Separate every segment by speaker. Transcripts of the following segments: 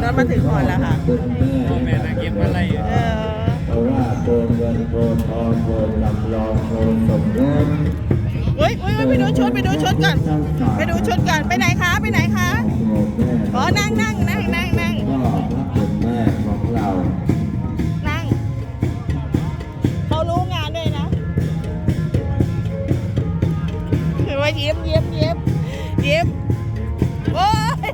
Speaker 1: รถมาถึงก่อนแล้วค่ะ
Speaker 2: พ่อแม่นางเก็บอะไร
Speaker 3: เพราะว่าโกนเงินโกนทองโกนลำลองโกนสมรส
Speaker 1: อุ้ยไปดูชุดก่อนไปดูชุดก่อนไปไหนคะไปไหนคะอ๋อนั่ง
Speaker 3: ก็พระเป็นแม่ของเรา
Speaker 1: นั่งเขารู้งานด้วยนะถือว่ายิ้มโอ้ย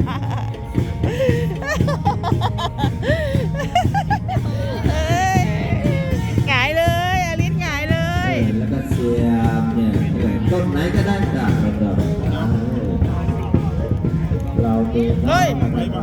Speaker 1: เอ้ยหงายเลยอลิสหงายเลย
Speaker 3: แล้วก็เสียบเนี่ยต้นไหนก็ได้จากระดับเราดู
Speaker 1: เฮ้ย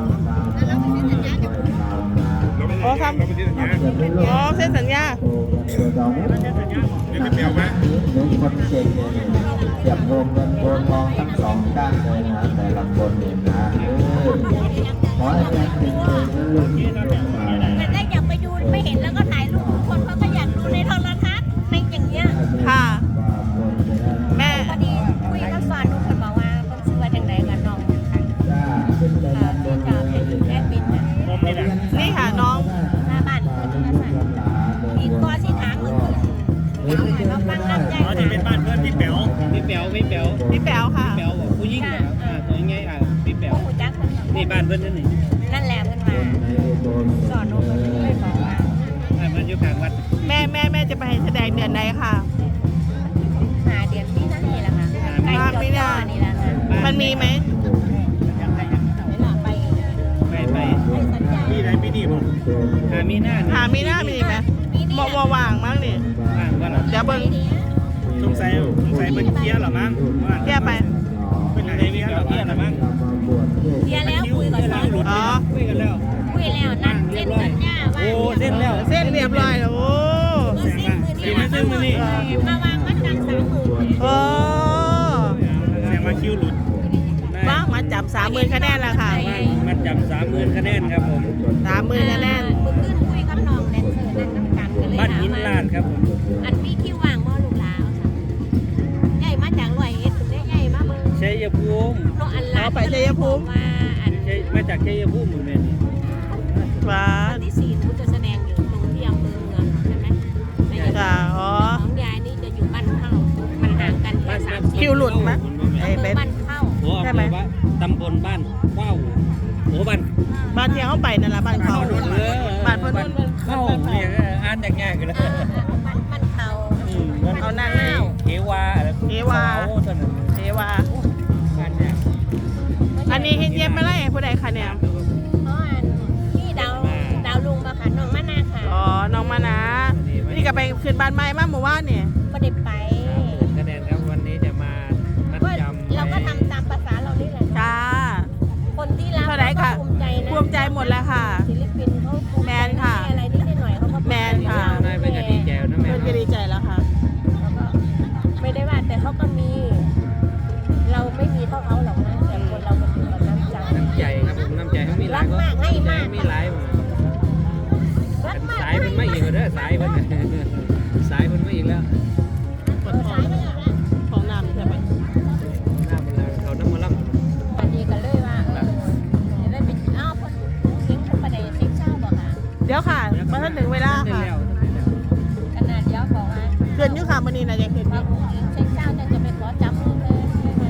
Speaker 2: อ๋อทำ
Speaker 1: อ๋อเซ็นสัญญา
Speaker 2: เดี๋ยวไปเปลี่ยวมา
Speaker 3: หนึ่งคนเก่งเนี่ยเก็บรวมเงินโกนทองทั้งสองด้านเลยนะแต่ละคนเนี่ยนะขอให้แม่ติดเลยนะลูกมา
Speaker 4: แต่ได้อยากไปดูไม่เห็นแล้วก็ถ่ายรูปทุกคนเขาก็อยากดูในโทรทัศน์ในอย่างเงี้ย
Speaker 1: ค่ะแม่
Speaker 4: พอดีคุยกับฟานนุ่นคนบอกว่าคนซื้อไว้ทางไหนกันน้องค่ะ
Speaker 3: จ้าขึ้นไปด้านบน
Speaker 4: จะเป็นแอดมินนะ
Speaker 1: นี่ค่ะน้อง
Speaker 4: หน้าบ้านคนนั้นน่ะอีกก็สิทางมึงขึ้นเอาไงมาฟังลำใหญ่
Speaker 2: อ๋อที่เป็นบ้านเพื่อนพี่แป๋ว
Speaker 1: พี่แป๋วค่ะ
Speaker 2: ผู้หญิงตัวยังไงพี่แป๋ว
Speaker 4: โอ้โหจักคนบอก
Speaker 2: นี่บ้านเพื่อนนี่
Speaker 4: นั่นแหละเพิ่นมาสอนน้องคนนี้เลยบอกว่า
Speaker 2: มันอยู่กลางวัด
Speaker 1: แม่จะไปแสดงเดือนไหนค่ะ
Speaker 4: หาเดือนที่นั่นนี่แหละค่ะใกล้จบจ่อนี่แหละค่ะ
Speaker 1: มันมีไหม
Speaker 4: เวลาไป
Speaker 2: ไป
Speaker 4: ให้สัญญา
Speaker 2: พี่ไหนพี่นี่บอกมีหน้า
Speaker 1: หามีหน้ามีไหมมอว่างมั้งนี่
Speaker 2: ว่าหรอ
Speaker 1: เดี๋ยวเบิ้ง
Speaker 2: สงสัยเป็นเกี้ยหรอมั้ง
Speaker 1: เที่ยวไป
Speaker 2: เป็นอะไรเกี้ยหรอมั้ง
Speaker 4: เดียแล้วคุยกับซ้อน
Speaker 1: อ๋อ
Speaker 2: คุยกันแล้ว
Speaker 4: คุยแล้วนัดเส้นสัญญาว่า
Speaker 2: โอ้เส้นแล้ว
Speaker 1: เส้นเรียบร้อยแล้วโอ้
Speaker 4: ก็สิ้นมือนี้มาวางมัดจำ30,000
Speaker 1: โอ้
Speaker 2: แสดงว่าคิวหลุด
Speaker 1: ว่างมาจับ30,000คะแนนแล้วค่ะ
Speaker 2: มันจำ30,000คะแนนครับผม
Speaker 1: 30,000คะแนน
Speaker 4: มึงขึ้นคุยกับน้องแดนเซอร์นั่นน้ำกันกันเลย
Speaker 2: บ้านหินลาดครับผม
Speaker 4: อันมีคิววางบ่ลูกหลาวใหญ่มาจากร้อยเอ็ดถึงได้ใหญ่มาเบิ่ง
Speaker 2: ชัยภูมิ
Speaker 4: เพราะอันลาว่าอัน
Speaker 2: มาจากชัยภูมิเหมือนกัน
Speaker 1: ฟ้า
Speaker 4: วันที่4หนูจะแสดงอยู่ตรงที่อำเภอเมืองใช่ไหม
Speaker 1: จ้าอ๋อ
Speaker 4: ของยายนี่จะอยู่บ้านเข้ามันห่างกันแค่30
Speaker 1: คิวหลุดไหมไอ้เบน
Speaker 4: บ้านเข้า
Speaker 2: โอ้ว่าตำบลบ้านว้าวโอ้บ้าน
Speaker 1: บ้านที่เขาไปนั่นแหละบ้านเขาบ้านเพื่อนนุ่น
Speaker 2: เข้าเนี่ยอ่านอย่างง่ายกันเลย
Speaker 4: บ้านเข้า
Speaker 1: เอานั่นแล้ว
Speaker 2: เทวา
Speaker 1: เทวา เทวา
Speaker 2: บ้านเนี่ย
Speaker 1: อันนี้เฮ็ดเย็บมาไล่ผู้ใดคะเนี่ย
Speaker 4: เพราะอันที่ดาวลุงมาค่ะน้องมะนาวค่ะ
Speaker 1: อ๋อ น้องมานะนี่ก็ไปขึ้นบ้านใหม่มาเมื่อวานเนี่ย
Speaker 4: ไม่ได้ไป
Speaker 2: คะแนนครับวันนี้จะมานัดจำ
Speaker 4: เราก็ทำตามภาษาเรานี่แหละ
Speaker 1: จ้า
Speaker 4: คนที่รับ
Speaker 1: เท่าไหร่ค่ะ
Speaker 4: ภูมิใจนะ
Speaker 1: ภูมิใจหมดแล้วค่ะ
Speaker 4: ศิลปินเขาภูมิใจ
Speaker 1: แมนค่ะ
Speaker 4: อะไรนิดหน่อยเขาก็
Speaker 1: แมนค่ะ
Speaker 2: นายเป็นกดีแจวนะแม่
Speaker 1: เพื่อนก็ดีใจแล้วค่ะ
Speaker 4: แล้วก็ไม่ได้ว่าแต่เขาก็มี เราไม่มีเท่าเขาหรอกนะแต่คนเรามันอยู่กับน้ำใจ
Speaker 2: น้ำใจครับผมน้ำใจเขามีหลายก็มีหลาย
Speaker 4: รักมาก
Speaker 2: สายมันไม่อีกแล้วสายมันสายมันไม่อีกแล้ว
Speaker 1: กดของของน้ำใช่ไหม
Speaker 2: หน้ามันเขาน้ำมันล่ำ
Speaker 4: อันนี้ก็เลยว่าจะได้เป็นอ้าวคนทิ้งคนประเดี๋ยวทิ้งเช่าบอกค่ะ
Speaker 1: เดี๋ยวค่ะมาถ้าถึงเวลาค่ะ
Speaker 4: ขนาดเดียวบอกว่า
Speaker 1: เกินอยุค่ะมันนี่นะยังเกินอ
Speaker 4: ว่า
Speaker 1: ยุ
Speaker 4: ผู้หญิงทิ้งเช่าจะไปขอจับมือเลย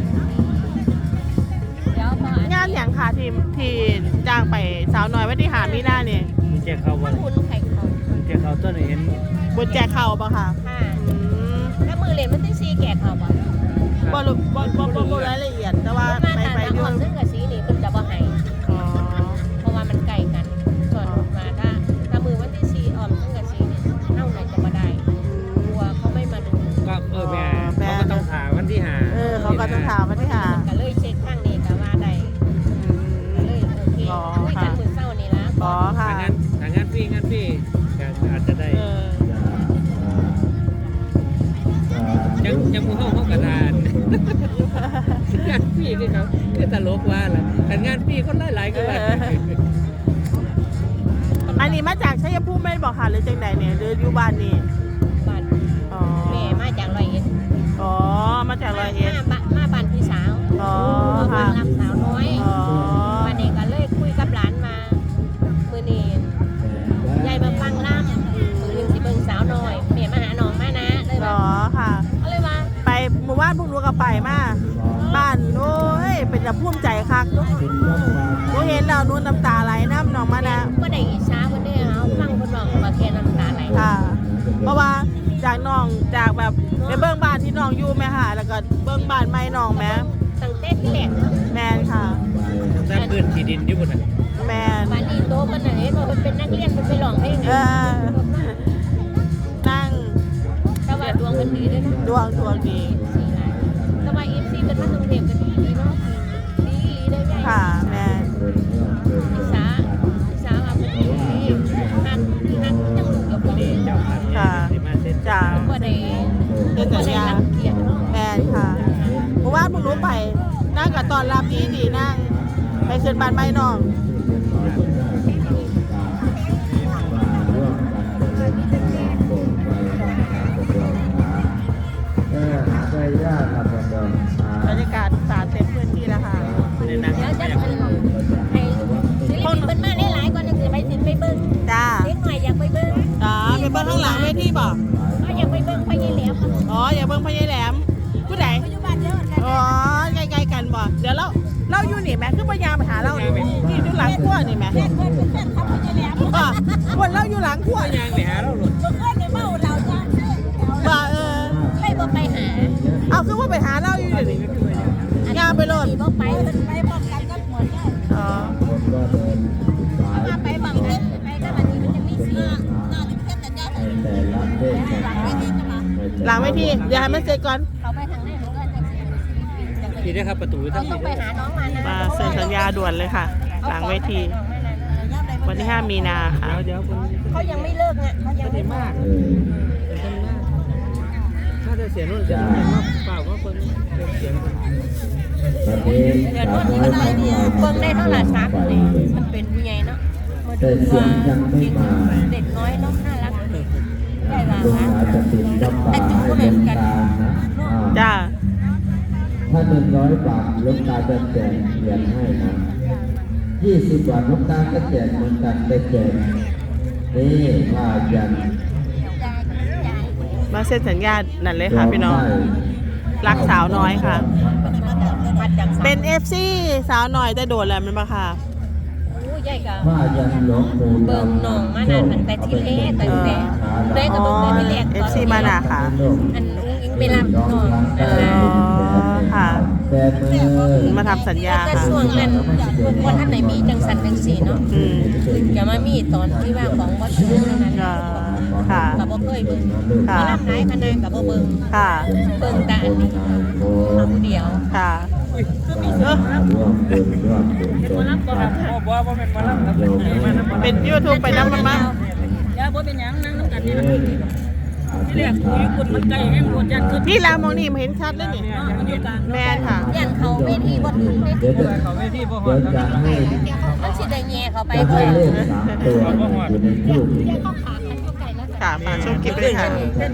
Speaker 4: เดี๋ยวพอง
Speaker 1: านอย่างค่ะที่จ้างไปสาวน้อยวันที่หามีหน้าเนี่ย
Speaker 2: เจ๊เขา
Speaker 4: ถ้า
Speaker 2: ว่า
Speaker 4: คุณไข่เขา
Speaker 2: เจ๊เขาต้นเห็น
Speaker 1: บนแจกเข่าปะค่ะ
Speaker 4: ค่ะ
Speaker 1: อืม
Speaker 4: แล้วมือเหรียญมันต้องซีแกะเขาบ่
Speaker 1: บ่รายละเอียดแต่ว่า
Speaker 4: มา
Speaker 1: ไป
Speaker 4: ตา
Speaker 1: ไป
Speaker 4: ตา
Speaker 1: อ
Speaker 4: อ่
Speaker 1: ยู่
Speaker 4: อนซึ่งกับสีนี่คุณจะบ่ให้
Speaker 1: อ๋อ
Speaker 4: เพราะว่ามันใกล้กัน ส่วนมาถ้ามือวันที่ซีอ่อมซึ่งกับสีนี่เท่าไหร่จะมาได้กลัวเขาไม่มาดู
Speaker 2: ก็แม่เขาก็ต้องถามวันที่หา
Speaker 1: เขาก็ต้องถามวันที่หา
Speaker 4: ก็เลยเช็คข้างนี้ก็ว่าได้ก็เลยโอเคคุยกันมือเศร้านี่ละ
Speaker 1: อ๋อค่ะ
Speaker 2: ทางงานพี่อาจจะได้
Speaker 1: เออ
Speaker 2: ยังมือห้องกระดานงานพี่คือเขาคือตลกว่าแหละแต่งานพี่คนหลายๆก็ว่า
Speaker 1: อันนี้มาจากชัยภูมิไม่บอกค่ะหรือจังใดเนี่ยหรืออยู่บ้านนี่
Speaker 4: บ้าน
Speaker 1: อ๋อ
Speaker 4: แม่มาจากร้อยเอ็ด
Speaker 1: อ๋อมาจากร้อยเอ็ด
Speaker 4: มาบ้านพี่สาว
Speaker 1: อ๋อ
Speaker 4: มา
Speaker 1: ค่ะ
Speaker 4: รับสาวน้อย
Speaker 1: อ๋อ
Speaker 4: มาเด็กก็เลยคุยกับหลานมา
Speaker 1: าวนู้นน้ำตาไหลน้ำน้องมานะ
Speaker 4: ก็ได้อิจฉาเพิ่นได้เอาฟังเพิ่นร้องมาแค่น้ำตาไหล
Speaker 1: ค่ะ เพราะว่าจากน้องจากแบบไปเบิ้งบ้านที่น้องอยู่แม่ค่ะ แล้วก็เบิ้งบ้านไม่น้องแม่
Speaker 4: ตั้งแต่ที่แรก
Speaker 1: แมนค่ะ
Speaker 2: แต่พื้นที่ดินอยู่บนนั้น
Speaker 1: แมน
Speaker 4: บ้านนี้โตมันน่ะเห็นว่าเพิ่นเป็นนักเรียนเพิ่นไปร้องเพลง
Speaker 1: เออนั่ง
Speaker 4: แต่ว่าดวงเพิ่นดีเด้อเนาะ
Speaker 1: ดวงดี
Speaker 4: แต่ว่า FC เพิ่นมากรุงเทพก็ดีเนาะดีได้ใหญ่
Speaker 1: ค่ะแมน
Speaker 4: อิจฉาว่าเพิ่นดีหันจังลูกกับบ่ได้
Speaker 2: เจ้าพันธุ์ที่มาเส้น
Speaker 1: จ้า
Speaker 4: บ่ได้
Speaker 1: เป็นสัญญา
Speaker 4: รังเกียจเนาะ
Speaker 1: แมนค่ะเพราะว่าพวกหนูไปนั่งกับตอนรับดีนั่งไปขึ้นบ้านไม่น้อง บรรยากาศสาดเต็มพื้นที่แล้วค่ะ
Speaker 2: ในนั้น
Speaker 4: เดี๋ยวจะให้ศิลปินเพิ่นมาหลายๆก่อนจังสิไปสิไปเบิ่ง
Speaker 1: จ้า
Speaker 4: เด็กหน่อยอยากไปเบิ่ง
Speaker 1: อ๋อไปเบิ้งข้างหลังเวทีบ่
Speaker 4: อยากไปเบิ่งพ่อใหญ่แหลม
Speaker 1: อ๋ออย่าเบิ้งพญายแหลมผู้ใด
Speaker 4: อยู่บ้านเดียวกัน
Speaker 1: อ๋อใกล้ๆกันบ่เดี๋ยวเราอยู่นี่แม่คือพยายามไปหาเราที่อยู่หลังครัวนี่แม่
Speaker 4: เพื่อนเป็นแฟนคลับพ่อใหญ่แหลม
Speaker 1: บ่คนเราอยู่หลังครัว
Speaker 2: ยางไปหาเราหลุด
Speaker 4: เมื่อคืนเนี่ยเมาเราจ้า
Speaker 1: บ่
Speaker 4: ไม่บ่ไปหา
Speaker 1: เอาคือว่าไปหาเราอยู่เดี๋ยวนี้งานไปโลด
Speaker 4: บ่ไปมันไปพร้อมกันกับหมดเนี่ย
Speaker 1: อ๋อ
Speaker 4: มาไปบังเล่นไปกับอันนี้มันจะมีเสียงน่าจะเป็นสัญญาณ
Speaker 3: แต่ละเพศ
Speaker 1: หลังเวทีเดี๋ยวให้มันเสร็จก่อน
Speaker 4: เขาไปทางไหนมันก็จะ
Speaker 2: ที่ได้ครับประตู
Speaker 4: เรา
Speaker 2: ทั้ง
Speaker 4: ต้องไปหาน้องมานะ
Speaker 1: มาเซ็นสัญญาด่วนเลยค่ะ หลังเวที วันที่ 5 มีนาค่ะ
Speaker 2: เดี๋ยวคน
Speaker 4: เขายังไม่เลิกเนี่ยเขายังไม่มาก
Speaker 2: ถ้าจะเสียนู่นเสียนี่เปล่าก็คนเสียง
Speaker 3: ประเทศ
Speaker 4: เดี๋ยวนู้นมันอะไรเนี่ยเบิ่งได้เท่าไหร่ชัดเลยมันเป็นผู้ใหญ่เนาะมาดูว่าเด็กน้อยเนาะน่ารักได้ละ
Speaker 3: ลูก
Speaker 4: นะ
Speaker 3: สาวจะติดกับป่าให้เป็นตานะ
Speaker 1: จ้า
Speaker 3: ถ้า100 บาทลูกตาจะแจกเหรียญให้นะ20 บาทลูกตาก็แจกเหมือนกันได้แจกนี่ผ้ายัน
Speaker 1: มาเซ็นสัญญานั่นเลยค่ะพี่น้อง รักสาวน้อยค่ะ
Speaker 4: มาจากสา
Speaker 1: เป็น FC สาวน้อยแต่โดดแล้วมันปะค่ะ
Speaker 4: ผู้ใหญ่กับ
Speaker 3: ผ้ายันหลวงปู่
Speaker 4: เบิ่งน้องมานั่นตั้งแต่ที่แรกตั้งแต่เด็กกับเบิ่งแต่ที่แรก
Speaker 1: FC มาน่ะค่ะ
Speaker 4: อันอุ้งอิงไปรับน้อง
Speaker 1: ค่ะ
Speaker 3: แต่มือ
Speaker 1: มาทำสัญญา
Speaker 4: แต่
Speaker 1: ค่ะ
Speaker 4: ช่วงนั้นคนท่านไหนมีจังสันจังสีเนาะ
Speaker 1: อืม
Speaker 4: ถึงจะมามีตอนที่ว่าของวัดเชิงนั้น
Speaker 1: ค่ะ
Speaker 4: กับบ่เคยเบิ่ง
Speaker 1: ค่ะ
Speaker 4: มารับหลายคณะกับบ่เบิ่ง
Speaker 1: ค่ะ
Speaker 4: เบิ่งแต่อันนี้ผู้เดียว
Speaker 1: ค่ะ เป็น YouTube ไปน้ำมันมา
Speaker 4: อย่าบ่เป็นหยังนั่งนำกันนี่
Speaker 3: ที่เรียกคุยคุณมันไกลแห้งหมดยัน
Speaker 1: นี่แหละมองนี่เห็นชัดเลยนี่แมนค่ะ
Speaker 4: ย่านเขาเวทีบ่ถึงเด้
Speaker 3: เดี๋ยวจะให้
Speaker 4: มันสิได้แย่เข้าไป
Speaker 3: จะ
Speaker 4: เพิ่
Speaker 3: ให้
Speaker 4: น
Speaker 3: เลข3 ตัวอยู่ในรูป
Speaker 4: เข้าขากันอยู่ไกลแล้ว
Speaker 1: ค่ะฝากชมคลิปด้วยค่ะ